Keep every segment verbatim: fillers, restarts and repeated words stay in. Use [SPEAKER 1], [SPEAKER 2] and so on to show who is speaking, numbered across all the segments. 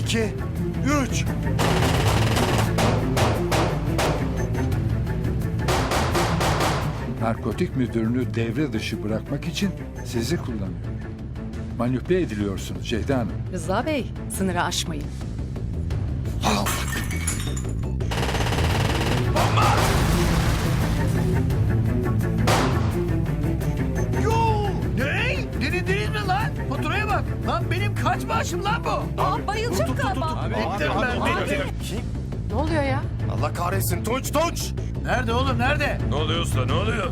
[SPEAKER 1] iki, üç.
[SPEAKER 2] Narkotik müdürünü devre dışı bırakmak için sizi kullanıyor. Manipüle ediliyorsunuz Ceyda Hanım.
[SPEAKER 3] Rıza Bey, sınırı aşmayın.
[SPEAKER 4] Yoo! Ne? Denediniz mi lan? Faturaya bak. Lan benim kaç maaşım lan bu?
[SPEAKER 3] Aa, bayılacak galiba.
[SPEAKER 4] Bittim ben, bittim.
[SPEAKER 3] Ne oluyor ya?
[SPEAKER 1] Allah kahretsin Tunç, Tunç.
[SPEAKER 4] Nerede oğlum, nerede?
[SPEAKER 5] Ne oluyor usta, ne oluyor?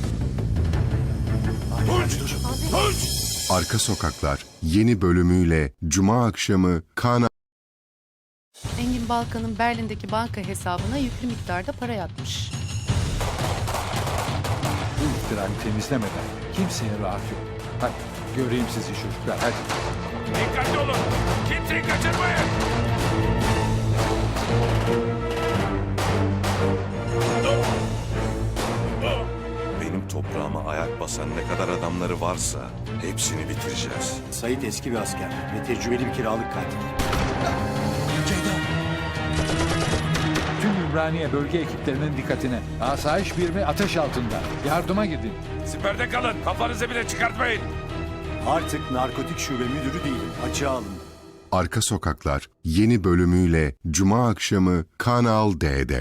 [SPEAKER 1] Tunç, Tunç.
[SPEAKER 6] Arka Sokaklar yeni bölümüyle Cuma akşamı Kana
[SPEAKER 3] Engin Balkan'ın Berlin'deki banka hesabına yüklü miktarda para yatmış.
[SPEAKER 2] Bu iftirayı temizlemeden kimseye rahat yok. Hadi göreyim sizi çocuklar hadi.
[SPEAKER 5] Dikkatli olun, kimseyi kaçırmayın.
[SPEAKER 7] Benim toprağıma ayak basan ne kadar adamları varsa hepsini bitireceğiz.
[SPEAKER 8] Sait eski bir asker ve tecrübeli bir kiralık katil.
[SPEAKER 2] Tüm Ümraniye bölge ekiplerinin dikkatine. Asayiş birimi ateş altında. Yardıma gidin.
[SPEAKER 5] Siperde kalın, kafanızı bile çıkartmayın.
[SPEAKER 8] Artık narkotik şube müdürü değilim. Açığa alın.
[SPEAKER 6] Arka Sokaklar yeni bölümüyle Cuma akşamı Kanal D'de.